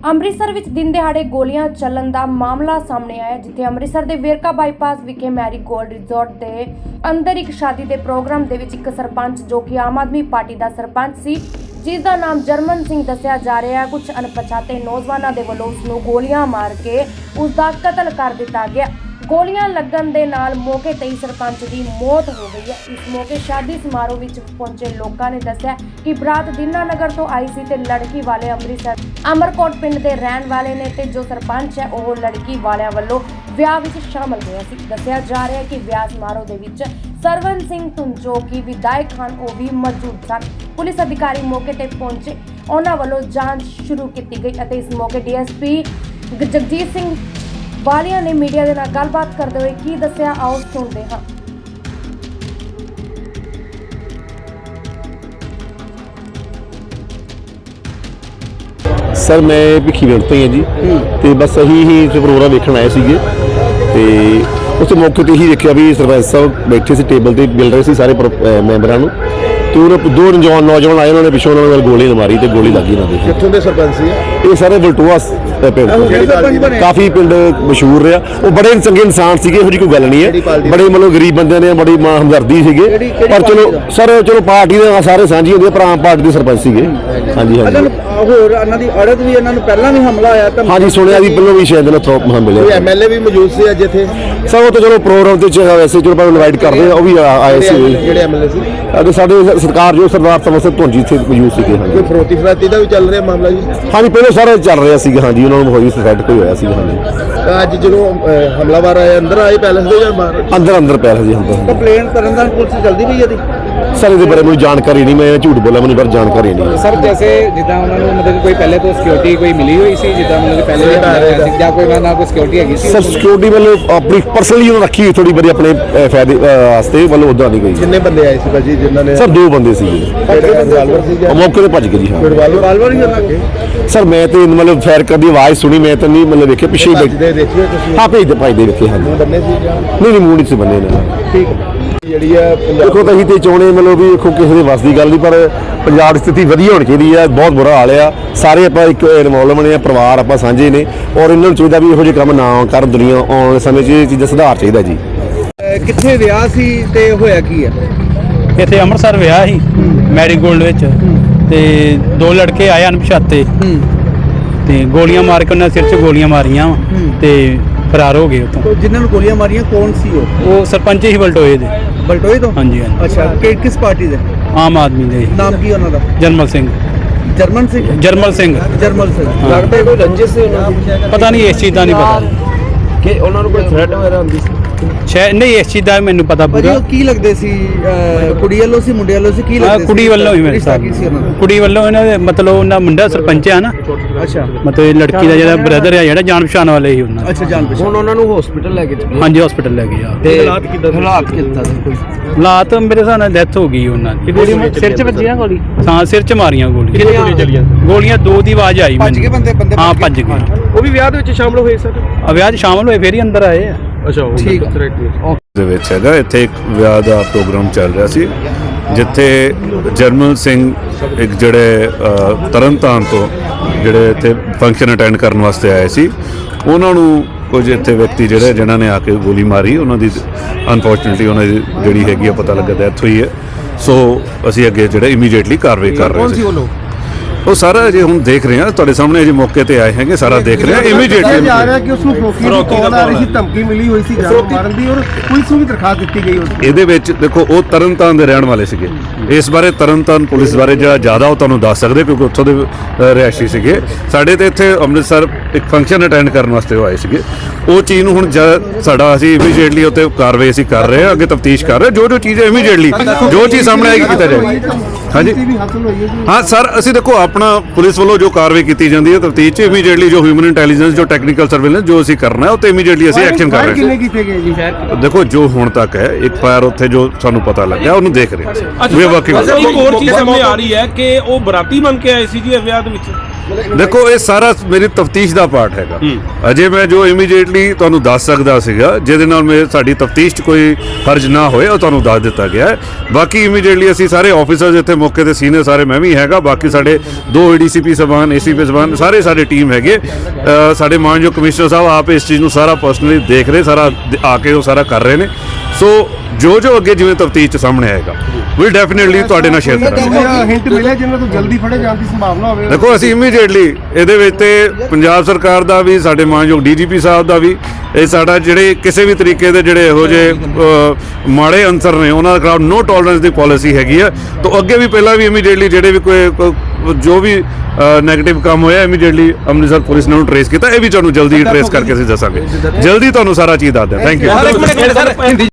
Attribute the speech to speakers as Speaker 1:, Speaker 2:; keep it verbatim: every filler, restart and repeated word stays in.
Speaker 1: ਅੰਮ੍ਰਿਤਸਰ ਵਿੱਚ ਦਿਨ ਦਿਹਾੜੇ ਗੋਲੀਆਂ ਚੱਲਣ ਦਾ ਮਾਮਲਾ ਸਾਹਮਣੇ ਆਇਆ, ਜਿੱਥੇ ਅੰਮ੍ਰਿਤਸਰ ਦੇ ਵੇਰਕਾ ਬਾਈਪਾਸ ਵਿਖੇ ਮੈਰੀ ਗੋਲਡ ਰਿਜ਼ੋਰਟ ਦੇ ਅੰਦਰ ਇੱਕ ਸ਼ਾਦੀ ਦੇ ਪ੍ਰੋਗਰਾਮ ਦੇ ਵਿੱਚ ਇੱਕ ਸਰਪੰਚ ਜੋ ਕਿ ਆਮ ਆਦਮੀ ਪਾਰਟੀ ਦਾ ਸਰਪੰਚ ਸੀ, ਜਿਸ ਦਾ ਨਾਮ ਜਰਮਨ ਸਿੰਘ ਦੱਸਿਆ ਜਾ ਰਿਹਾ ਹੈ, ਕੁਝ ਅਣਪਛਾਤੇ ਨੌਜਵਾਨਾਂ ਦੇ ਵੱਲੋਂ ਉਸ ਨੂੰ ਗੋਲੀਆਂ ਮਾਰ ਕੇ ਉਸ ਦਾ ਕਤਲ ਕਰ ਦਿੱਤਾ ਗਿਆ। ਗੋਲੀਆਂ ਲੱਗਣ ਦੇ ਨਾਲ ਮੌਕੇ ਤੇ ਹੀ ਸਰਪੰਚ ਦੀ ਮੌਤ ਹੋ ਗਈ ਹੈ। ਇਸ ਮੌਕੇ ਸ਼ਾਦੀ ਸਮਾਰੋਹ ਵਿੱਚ ਪਹੁੰਚੇ ਲੋਕਾਂ ਨੇ ਦੱਸਿਆ ਕਿ ਬਰਾਤ ਦੀਨਾਨਗਰ ਤੋਂ ਆਈ ਸੀ ਤੇ ਲੜਕੀ ਵਾਲੇ ਅੰਮ੍ਰਿਤਸਰ ਅਮਰਕੋਟ ਪਿੰਡ ਦੇ ਰਹਿਣ ਵਾਲੇ ਨੇ ਤੇ ਜੋ ਸਰਪੰਚ ਹੈ ਉਹ ਲੜਕੀ ਵਾਲਿਆਂ ਵੱਲੋਂ ਵਿਆਹ ਵਿੱਚ ਸ਼ਾਮਲ ਹੋਇਆ ਸੀ। ਦੱਸਿਆ ਜਾ ਰਿਹਾ ਹੈ ਕਿ ਵਿਆਹ ਸਮਾਰੋਹ ਦੇ ਵਿੱਚ ਸਰਵਨ ਸਿੰਘ ਧੁੰਨ ਜੋ ਕਿ ਵਿਧਾਇਕ ਹਨ ਉਹ ਵੀ ਮੌਜੂਦ ਸਨ। ਪੁਲਿਸ ਅਧਿਕਾਰੀ ਮੌਕੇ ਤੇ ਪਹੁੰਚੇ, ਉਹਨਾਂ ਵੱਲੋਂ ਜਾਂਚ ਸ਼ੁਰੂ ਕੀਤੀ ਗਈ ਅਤੇ ਇਸ ਮੌਕੇ D S P Jagjit Singh Walia ਨੇ ਮੀਡੀਆ ਦੇ ਨਾਲ ਗੱਲਬਾਤ ਕਰਦੇ ਹੋਏ ਕੀ ਦੱਸਿਆ, ਆਓ ਸੁਣਦੇ ਹਾਂ।
Speaker 2: ਸਰ ਮੈਂ ਭਿੱਖੀਵਿੰਡ ਤੋਂ ਹੀ ਹਾਂ ਜੀ, ਤੇ ਬਸ ਅਸੀਂ ਹੀ ਪ੍ਰੋਗਰਾਮ ਵੇਖਣ ਆਏ ਸੀਗੇ ਤੇ ਉਸ ਮੌਕੇ ਤੇ ਹੀ ਦੇਖਿਆ ਵੀ ਸਰਪੰਚ ਸਾਹਿਬ ਬੈਠੇ ਸੀ ਟੇਬਲ ਤੇ ਮਿਲ ਰਹੇ ਸੀ ਸਾਰੇ ਮੈਂਬਰਾਂ ਨੂੰ, ਤੇ ਉਹ ਦੋ ਨੌਜਵਾਨ ਨੌਜਵਾਨ ਆਏ, ਉਹਨਾਂ ਨੇ ਪਿੱਛੋਂ ਉਹਨਾਂ ਨੂੰ ਗੋਲੀ ਮਾਰੀ ਤੇ ਗੋਲੀ ਲੱਗੀ ਉਹਨਾਂ ਦੇ।
Speaker 3: ਕਿੱਥੋਂ ਦੇ ਸਰਪੰਚ ਸੀ
Speaker 2: ਇਹ ਸਾਰੇ ਬਲਟੋਆ ਪਿੰਡ, ਕਾਫੀ ਪਿੰਡ ਮਸ਼ਹੂਰ ਰਿਹਾ। ਉਹ ਬੜੇ ਚੰਗੇ ਇਨਸਾਨ ਸੀਗੇ, ਇਹੋ ਜਿਹੀ ਕੋਈ ਗੱਲ ਨਹੀਂ ਹੈ, ਬੜੇ ਮਤਲਬ ਗਰੀਬ ਬੰਦਿਆਂ ਨੇ ਬੜੀ ਹਮਦਰਦੀ ਸੀਗੇ, ਪਰ ਚਲੋ ਸਰ ਚਲੋ ਪਾਰਟੀ ਦੇ ਸਾਰੇ ਸਾਂਝੀ ਹੁੰਦੀ ਹੈ, ਪਰ ਆਮ ਪਾਰਟੀ ਦੇ ਸਰਪੰਚ ਸੀਗੇ। ਹਾਂਜੀ ਹਾਂਜੀ
Speaker 3: ਹੋਰ ਇਹਨਾਂ ਦੀ ਅੜਤ ਵੀ, ਇਹਨਾਂ ਨੂੰ ਪਹਿਲਾਂ ਵੀ ਹਮਲਾ ਆਇਆ ਤਾਂ
Speaker 2: ਹਾਂਜੀ ਸੁਣਿਆ ਵੀ ਪਹਿਲਾਂ ਵੀ ਸ਼ਾਇਦ ਨਾ ਥੋਪ ਮਿਲਿਆ।
Speaker 3: ਐਮ ਐਲ ਏ ਵੀ ਮੌਜੂਦ ਸੀ ਅੱਜ ਇੱਥੇ
Speaker 2: ਸਰ ਉਹ ਤਾਂ ਚਲੋ ਪ੍ਰੋਗਰਾਮ ਤੇ ਵੈਸੇ ਚਲੋ ਪਰ ਇਨਵਾਈਟ ਕਰਦੇ ਆ, ਉਹ ਵੀ ਆਏ ਸੀ
Speaker 3: ਜਿਹੜੇ ਐਮ ਐਲ ਏ ਸੀ
Speaker 2: ਅਤੇ ਸਾਡੇ ਸਰਕਾਰ ਜੋ ਸਰਦਾਰ ਸਮਰ ਸਿੰਘ ਧੁੰਨ ਜੀ ਇੱਥੇ ਮੌਜੂਦ ਸੀਗੇ। ਹਾਂਜੀ
Speaker 3: ਕੋਈ ਫਰੋਤੀ ਫਰਾਤੀ ਦਾ ਵੀ ਚੱਲ ਰਿਹਾ ਮਾਮਲਾ ਜੀ?
Speaker 2: ਹਾਂਜੀ ਪਹਿਲਾਂ ਸਾਰਾ ਚੱਲ ਰਿਹਾ ਸੀਗਾ, ਹਾਂਜੀ ਉਹਨਾਂ ਨੂੰ ਹੋਈ ਸੈਟ ਕੋਈ ਹੋਇਆ ਸੀਗਾ। ਹਾਂਜੀ
Speaker 3: ਅੱਜ ਜਦੋਂ ਹਮਲਾਵਰ ਆਏ ਅੰਦਰ ਆਏ ਪੈਲਸ ਦੇ ਜਾਂ ਬਾਹਰ?
Speaker 2: ਅੰਦਰ ਅੰਦਰ ਪੈ ਰਿਹਾ ਜੀ ਅੰਦਰ।
Speaker 3: ਕੰਪਲੇਂਟ ਕਰਨ ਦਾ ਪੁਲਿਸ ਜਲਦੀ ਪਈ ਇਹਦੀ?
Speaker 2: ਸਰ ਇਹਦੇ ਬਾਰੇ ਮੈਨੂੰ ਜਾਣਕਾਰੀ ਨਹੀਂ, ਮੈਂ ਝੂਠ ਬੋਲਾਂ, ਮੈਨੂੰ ਪਰ ਜਾਣਕਾਰੀ ਨਹੀਂ
Speaker 4: ਸਰ। ਜੈਸੇ ਜਿੱਦਾਂ ਉਹਨਾਂ ਨੂੰ ਮਤਲਬ ਕੋਈ ਪਹਿਲੇ ਤੋਂ ਸਿਕਿਉਰਿਟੀ ਕੋਈ ਮਿਲੀ ਹੋਈ ਸੀ, ਜਿੱਦਾਂ ਮਤਲਬ ਪਹਿਲੇ ਵੀ ਜਾਂ ਕੋਈ ਨਾ ਕੋਈ ਸਿਕਿਉਰਿਟੀ ਹੈਗੀ ਸੀ?
Speaker 2: ਸਰ ਸਿਕਿਉਰਿਟੀ ਵੱਲੋਂ ਆਪਣੀ ਪਰਸਨਲੀ ਉਹਨਾਂ ਰੱਖੀ ਹੋਈ ਥੋੜੀ ਬੜੀ ਆਪਣੇ ਫਾਇਦੇ ਵਾਸਤੇ, ਵੱਲੋਂ ਉਦਾਂ ਨਹੀਂ ਗਈ।
Speaker 3: ਕਿੰਨੇ ਬੰਦੇ ਆਏ ਸੀ ਭਾਜੀ ਜਿਨ੍ਹਾਂ ਨੇ?
Speaker 2: ਸਰ ਦੋ ਬੰਦੇ ਸੀਗੇ, ਮੌਕੇ ਤੇ ਭੱਜ ਗਏ ਜੀ। ਹਾਂ
Speaker 3: ਰਿਵਾਲਵਰ ਹੀ ਉਹਨਾਂ ਕੇ?
Speaker 2: ਸਰ ਮੈਂ ਤੇ ਮਤਲਬ ਫਾਇਰ ਕਰਦੀ ਆਵਾਜ਼ ਸੁਣੀ, ਮੈਂ ਤਾਂ ਨਹੀਂ ਮਤਲਬ ਵੇਖਿਆ, ਪਿੱਛੇ ਹੀ ਬੈਠੇ
Speaker 3: ਦੇਖਿਓ ਤੁਸੀਂ?
Speaker 2: ਹਾਂ ਭੇਜਦੇ ਭਾਜਦੇ ਵੇਖੇ। ਹਾਂਜੀ
Speaker 3: ਬੰਨੇ ਸੀ ਜਾਂ
Speaker 2: ਨਹੀਂ ਨਹੀਂ ਮੂੰਹ ਨਹੀਂ ਸੀ ਬੰਨੇ ਨੇ।
Speaker 3: ਠੀਕ ਜਿਹੜੀ ਆ
Speaker 2: ਦੇਖੋ ਤਾਂ ਅਸੀਂ ਤੇ ਚਾਹੁੰਦੇ ਮਤਲਬ ਵੀ ਦੇਖੋ ਕਿਸੇ ਦੇ ਵੱਸ ਦੀ ਗੱਲ ਨਹੀਂ, ਪਰ ਪੰਜਾਬ ਦੀ ਸਥਿਤੀ ਵਧੀਆ ਹੋਣੀ ਚਾਹੀਦੀ ਹੈ। ਬਹੁਤ ਬੁਰਾ ਹਾਲ ਆ, ਸਾਰੇ ਆਪਾਂ ਇੱਕ ਇਨਵੋਲਵਮੈਂਟ ਆ, ਪਰਿਵਾਰ ਆਪਾਂ ਸਾਂਝੇ ਨੇ, ਔਰ ਇਹਨਾਂ ਨੂੰ ਚਾਹੀਦਾ ਵੀ ਇਹੋ ਜਿਹੇ ਕੰਮ ਨਾ ਕਰਨ। ਦੁਨੀਆ ਆਉਣ ਵਾਲੇ ਸਮੇਂ 'ਚ ਇਹ ਚੀਜ਼ਾਂ ਸੁਧਾਰ ਚਾਹੀਦਾ ਜੀ।
Speaker 3: ਕਿੱਥੇ ਵਿਆਹ ਸੀ ਤੇ ਹੋਇਆ ਕੀ ਹੈ
Speaker 4: ਇੱਥੇ? ਅੰਮ੍ਰਿਤਸਰ ਵਿਆਹ ਸੀ ਮੈਰੀ ਗੋਲਡ ਵਿੱਚ, ਤੇ ਦੋ ਲੜਕੇ ਆਏ ਅਣਪਛਾਤੇ ਤੇ ਗੋਲੀਆਂ ਮਾਰ ਕੇ ਉਹਨਾਂ ਸਿਰ 'ਚ ਗੋਲੀਆਂ ਮਾਰੀਆਂ ਤੇ ਫਰਾਰ ਹੋ ਗਏ ਉੱਥੋਂ।
Speaker 3: ਜਿਨ੍ਹਾਂ ਨੂੰ ਗੋਲੀਆਂ ਮਾਰੀਆਂ ਕੌਣ ਸੀ ਉਹ?
Speaker 4: ਉਹ ਸਰਪੰਚ ਹੀ ਬਲਟੋਏ ਦੇ।
Speaker 3: ਬਲਟੋਏ ਤੋਂ?
Speaker 4: ਹਾਂਜੀ ਹਾਂਜੀ।
Speaker 3: ਅੱਛਾ, ਕਿ ਕਿਸ ਪਾਰਟੀ ਦੇ?
Speaker 4: ਆਮ ਆਦਮੀ ਦੇ।
Speaker 3: ਨਾਮ ਕੀ ਉਹਨਾਂ ਦਾ?
Speaker 4: ਜਰਮਲ ਸਿੰਘ।
Speaker 3: ਜਰਮਨ ਸਿੰਘ?
Speaker 4: ਜਰਮਲ ਸਿੰਘ।
Speaker 3: ਜਰਮਲ ਸਿੰਘ। ਲੱਗਦਾ ਕੋਈ ਰੰਜਿਸ਼ ਸੀ ਉਹਨਾਂ ਦੀ?
Speaker 4: ਪਤਾ ਨਹੀਂ, ਇਸ ਚੀਜ਼ ਦਾ ਨਹੀਂ ਪਤਾ
Speaker 3: ਕਿ ਉਹਨਾਂ ਨੂੰ ਕੋਈ ਥ੍ਰੈਟ ਵਗੈਰਾ ਹੁੰਦੀ ਸੀ?
Speaker 4: ਸ਼ਾਇਦ ਨਹੀਂ, ਇਸ ਚੀਜ਼ ਦਾ ਮੈਨੂੰ ਪਤਾ
Speaker 3: ਭਾਜੀ
Speaker 4: ਪੂਰਾ।
Speaker 3: ਉਹ ਕੀ ਲੱਗਦੇ ਸੀ? ਕੁੜੀ ਵੱਲੋਂ ਸੀ ਮੁੰਡੇ ਵੱਲੋਂ ਸੀ? ਕੀ ਲੱਗਦੇ ਸੀ?
Speaker 4: ਕੁੜੀ ਵੱਲੋਂ ਹੀ ਮੇਰੇ
Speaker 3: ਰਿਸ਼ਤਾ
Speaker 4: ਸਾਥ
Speaker 3: ਕੀ ਸੀ ਉਹਨਾਂ ਦਾ?
Speaker 4: ਕੁੜੀ ਵੱਲੋਂ ਇਹਨਾਂ ਦੇ ਮਤਲਬ ਉਹਨਾਂ ਮੁੰਡਾ ਸਰਪੰਚ ਆ ਨਾ,
Speaker 3: ਅੱਛਾ
Speaker 4: ਮਤਲਬ ਲੜਕੀ ਦਾ ਜਿਹੜਾ ਬ੍ਰਦਰ ਆ ਜਿਹੜਾ ਜਾਣ ਪਛਾਣ ਵਾਲੇ ਹੀ ਉਹਨਾਂ।
Speaker 3: ਅੱਛਾ ਜਾਣ ਪਛਾਣ। ਹੁਣ ਉਹਨਾਂ ਨੂੰ ਹਸਪੀਟਲ ਲੈ ਕੇ ਚੱਲੇ?
Speaker 4: ਹਾਂਜੀ ਹਸਪੀਟਲ ਲੈ ਗਏ ਆ।
Speaker 3: ਤੇ ਹਾਲਾਤ ਕਿੱਦਾਂ? ਹਾਲਾਤ ਕਿੱਦਾਂ ਸੀ? ਕੋਈ
Speaker 4: ਹਾਲਾਤ ਮੇਰੇ ਹਿਸਾਬ ਨਾਲ ਡੈਥ ਹੋ ਗਈ ਉਹਨਾਂ ਦੀ।
Speaker 3: ਸਿਰ 'ਚ ਵੱਜੀ ਨਾ ਗੋਲੀ?
Speaker 4: ਹਾਂ ਸਿਰ 'ਚ ਮਾਰੀਆਂ ਗੋਲੀਆਂ।
Speaker 3: ਕਿੰਨੀਆਂ ਗੋਲੀਆਂ ਚੱਲੀਆਂ?
Speaker 4: ਗੋਲੀਆਂ ਦੋ ਦੀ ਆਵਾਜ਼ ਆਈ
Speaker 3: ਭੱਜ ਗਏ ਬੰਦੇ? ਬੰਦੇ
Speaker 4: ਹਾਂ ਭੱਜ ਗਏ।
Speaker 3: ਉਹ ਵੀ ਵਿਆਹ ਦੇ ਵਿੱਚ ਸ਼ਾਮਲ ਹੋਏ ਸਰ?
Speaker 4: ਆ ਵਿਆਹ 'ਚ ਸ਼ਾਮਲ ਹੋਏ, ਫੇਰ ਹੀ ਅੰਦਰ ਆਏ ਆ।
Speaker 3: ਅੱਛਾ ਠੀਕ ਹੈ।
Speaker 5: ਦੇ ਵਿੱਚ ਹੈਗਾ ਇੱਥੇ ਇੱਕ ਵਿਆਹ ਦਾ ਪ੍ਰੋਗਰਾਮ ਚੱਲ ਰਿਹਾ ਸੀ, ਜਿੱਥੇ ਜਰਮਲ ਸਿੰਘ ਇੱਕ ਜਿਹੜੇ ਤਰਨਤਾਰਨ ਤੋਂ ਜਿਹੜੇ ਇੱਥੇ ਫੰਕਸ਼ਨ ਅਟੈਂਡ ਕਰਨ ਵਾਸਤੇ ਆਏ ਸੀ, ਉਹਨਾਂ ਨੂੰ ਕੁਝ ਇੱਥੇ ਵਿਅਕਤੀ ਜਿਹੜੇ ਜਿਨ੍ਹਾਂ ਨੇ ਆ ਕੇ ਗੋਲੀ ਮਾਰੀ, ਉਹਨਾਂ ਦੀ ਅਨਫੋਰਚੂਨੇਟਲੀ ਉਹਨਾਂ ਦੀ ਜਿਹੜੀ ਹੈਗੀ ਆ ਪਤਾ ਲੱਗਾ ਡੈਥ ਹੋਈ ਹੈ। ਸੋ ਅਸੀਂ ਅੱਗੇ ਜਿਹੜੇ ਇਮੀਡੀਏਟਲੀ ਕਾਰਵਾਈ ਕਰ ਰਹੇ ਸੀ। ਉਹ ਸਾਰਾ ਜੇ ਹੁਣ ਦੇਖ ਰਹੇ ਹਾਂ, ਤੁਹਾਡੇ ਸਾਹਮਣੇ ਜੇ ਮੌਕੇ ਤੇ ਆਏ ਹੈਗੇ, ਸਾਰਾ ਦੇਖ ਰਹੇ ਹਾਂ ਇਮੀਡੀਏਟਲੀ।
Speaker 3: ਜਾ ਰਿਹਾ ਕਿ ਉਸ ਨੂੰ ਫਰੋਤੀ ਕਾਲ ਆ ਰਹੀ ਸੀ, ਧਮਕੀ ਮਿਲੀ ਹੋਈ ਸੀ ਜਾਨ ਮਾਰਨ ਦੀ, ਔਰ ਪੁਲਿਸ ਨੂੰ ਵੀ ਦਰਖਾਸਤ ਦਿੱਤੀ ਗਈ ਉਸ ਦੀ।
Speaker 5: ਇਹਦੇ ਵਿੱਚ ਦੇਖੋ ਉਹ ਤਰਨਤਾਰਨ ਦੇ ਰਹਿਣ ਵਾਲੇ ਸੀਗੇ। ਇਸ ਬਾਰੇ ਤਰਨਤਾਰਨ ਪੁਲਿਸ ਬਾਰੇ ਜਿਹੜਾ ਜ਼ਿਆਦਾ ਉਹ ਤੁਹਾਨੂੰ ਦੱਸ ਸਕਦੇ, ਕਿਉਂਕਿ ਉੱਥੋਂ ਦੇ ਰਿਹਾਇਸ਼ੀ ਸੀਗੇ। ਸਾਡੇ ਤੇ ਇੱਥੇ ਅੰਮ੍ਰਿਤਸਰ ਇੱਕ ਫੰਕਸ਼ਨ ਅਟੈਂਡ ਕਰਨ ਵਾਸਤੇ ਉਹ ਆਏ ਸੀਗੇ। ਉਹ ਚੀਜ਼ ਨੂੰ ਹੁਣ ਸਾਡਾ ਅਸੀਂ ਇਮੀਡੀਏਟਲੀ ਉੱਤੇ ਕਾਰਵਾਈ ਅਸੀਂ ਕਰ ਰਹੇ ਹਾਂ, ਅੱਗੇ ਤਫਤੀਸ਼ ਕਰ ਰਹੇ ਜੋ ਜੋ ਚੀਜ਼ ਹੈ ਇਮੀਡੀਏਟਲੀ ਜੋ ਚੀਜ਼ ਸਾਹਮਣੇ ਆਏਗੀ ਕੀਤਾ ਜਾਏਗੀ। ਹਾਂਜੀ ਹਾਂ ਸਰ, ਅਸੀਂ ਦੇਖੋ ਆਪਣਾ ਪੁਲਿਸ ਵੱਲੋਂ ਜੋ ਕਾਰਵਾਈ ਕੀਤੀ ਜਾਂਦੀ ਹੈ ਤਫਤੀਸ਼ 'ਚ ਇਮੀਡੀਏਟਲੀ ਜੋ ਹਿਊਮਨ ਇੰਟੈਲੀਜੈਂਸ ਜੋ ਟੈਕਨੀਕਲ ਸਰਵੇਲੈਂਸ ਜੋ ਅਸੀਂ ਕਰਨਾ ਹੈ ਉਹ ਤੇ ਇਮੀਡੀਏਟਲੀ ਅਸੀਂ ਐਕਸ਼ਨ ਕਰ ਰਹੇ ਹਾਂ।
Speaker 3: ਕਿੰਨੇ ਕੀਤੇ ਗਏ ਜੀ?
Speaker 5: ਦੇਖੋ ਜੋ ਹੁਣ ਤੱਕ ਹੈ ਇੱਕ ਫਾਇਰ ਉੱਥੇ ਜੋ ਸਾਨੂੰ ਪਤਾ ਲੱਗਿਆ ਉਹਨੂੰ ਦੇਖ ਰਹੇ ਹਾਂ। ਵੀ ਵਾਕਈ
Speaker 6: ਇੱਕ ਹੋਰ ਚੀਜ਼ ਸਾਹਮਣੇ ਆ ਰਹੀ ਹੈ ਕਿ ਉਹ ਬਰਾਤੀ ਬਣ ਕੇ ਆਏ ਸੀ ਜੀ ਵਿਆਹ ਦੇ ਵਿੱਚ।
Speaker 5: ਦੇਖੋ ਇਹ ਸਾਰਾ ਮੇਰੀ ਤਫਤੀਸ਼ ਦਾ ਪਾਰਟ ਹੈਗਾ। ਅਜੇ ਮੈਂ ਜੋ ਇਮੀਡੀਏਟਲੀ ਤੁਹਾਨੂੰ ਦੱਸ ਸਕਦਾ ਸੀਗਾ ਜਿਹਦੇ ਨਾਲ ਮੇਰੇ ਸਾਡੀ ਤਫਤੀਸ਼ 'ਚ ਕੋਈ ਹਰਜ ਨਾ ਹੋਏ ਉਹ ਤੁਹਾਨੂੰ ਦੱਸ ਦਿੱਤਾ ਗਿਆ ਹੈ। ਬਾਕੀ ਇਮੀਡੀਏਟਲੀ ਅਸੀਂ ਸਾਰੇ ਆਫੀਸਰਸ ਇੱਥੇ ਮੌਕੇ ਤੇ ਸੀਨੀਅਰ ਸਾਰੇ ਮੈਂ ਵੀ ਹੈਗਾ, ਬਾਕੀ ਸਾਡੇ ਦੋ ਏਡੀਸੀਪੀ ਸਬਾਨ ਏਸੀਪੀ ਸਬਾਨ ਸਾਰੇ ਸਾਡੇ ਟੀਮ ਹੈਗੇ। ਅ, ਸਾਡੇ ਮਾਨਯੋਗ ਕਮਿਸ਼ਨਰ ਸਾਹਿਬ ਆਪ ਇਸ ਚੀਜ਼ ਨੂੰ ਸਾਰਾ ਪਰਸਨਲੀ ਦੇਖ ਰਹੇ, ਸਾਰਾ ਆ ਕੇ ਉਹ ਸਾਰਾ ਕਰ ਰਹੇ ਨੇ। ਸੋ ਜੋ ਜੋ ਅੱਗੇ ਜਿਵੇਂ ਤਫਤੀਸ਼ 'ਚ ਸਾਹਮਣੇ ਆਏਗਾ ਵੀ ਡੈਫੀਨੇਟਲੀ ਤੁਹਾਡੇ ਨਾਲ ਸ਼ੇਅਰ ਕਰਾਂਗੇ।
Speaker 3: ਹਿੰਟ ਮਿਲਿਆ ਜਿਨ੍ਹਾਂ ਤੋਂ ਜਲਦੀ ਫੜੇ ਜਾਣ ਦੀ ਸੰਭਾਵਨਾ ਹੋਵੇ।
Speaker 5: ਦੇਖੋ ਅਸੀਂ ਇਮੀਡੀਏਟਲੀ ਇਹਦੇ ਵਿੱਚ ਤੇ ਪੰਜਾਬ ਸਰਕਾਰ ਦਾ ਵੀ ਸਾਡੇ ਮਾਨਯੋਗ ਡੀਜੀਪੀ ਸਾਹਿਬ ਦਾ ਵੀ ਇਹ ਸਾਡਾ ਜਿਹੜੇ ਕਿਸੇ ਵੀ ਤਰੀਕੇ ਦੇ ਜਿਹੜੇ ਇਹੋ ਜਿਹੇ ਅ, ਮਾੜੇ ਅੰਸਰ ਨੇ ਉਹਨਾਂ ਦੇ ਖਿਲਾਫ ਨੋ ਟੋਲਰੈਂਸ ਦੀ ਪਾਲਿਸੀ ਹੈਗੀ ਆ। ਤਾਂ ਅੱਗੇ ਵੀ ਪਹਿਲਾਂ ਵੀ ਇਮੀਡੀਏਟਲੀ ਜਿਹੜੇ ਵੀ ਕੋਈ ਕੋਈ- ਜੋ ਵੀ ਨੈਗੇਟਿਵ ਕੰਮ ਹੋਇਆ ਇਮੀਡੀਏਟਲੀ ਅੰਮ੍ਰਿਤਸਰ ਪੁਲਿਸ ਨੇ ਉਹਨੂੰ ਟਰੇਸ ਕੀਤਾ। ਇਹ ਵੀ ਤੁਹਾਨੂੰ ਜਲਦੀ ਟਰੇਸ ਕਰਕੇ ਅਸੀਂ ਦੱਸਾਂਗੇ, ਜਲਦੀ ਤੁਹਾਨੂੰ ਸਾਰਾ ਚੀਜ਼ ਦੱਸ ਦਿਆਂ। Thank you.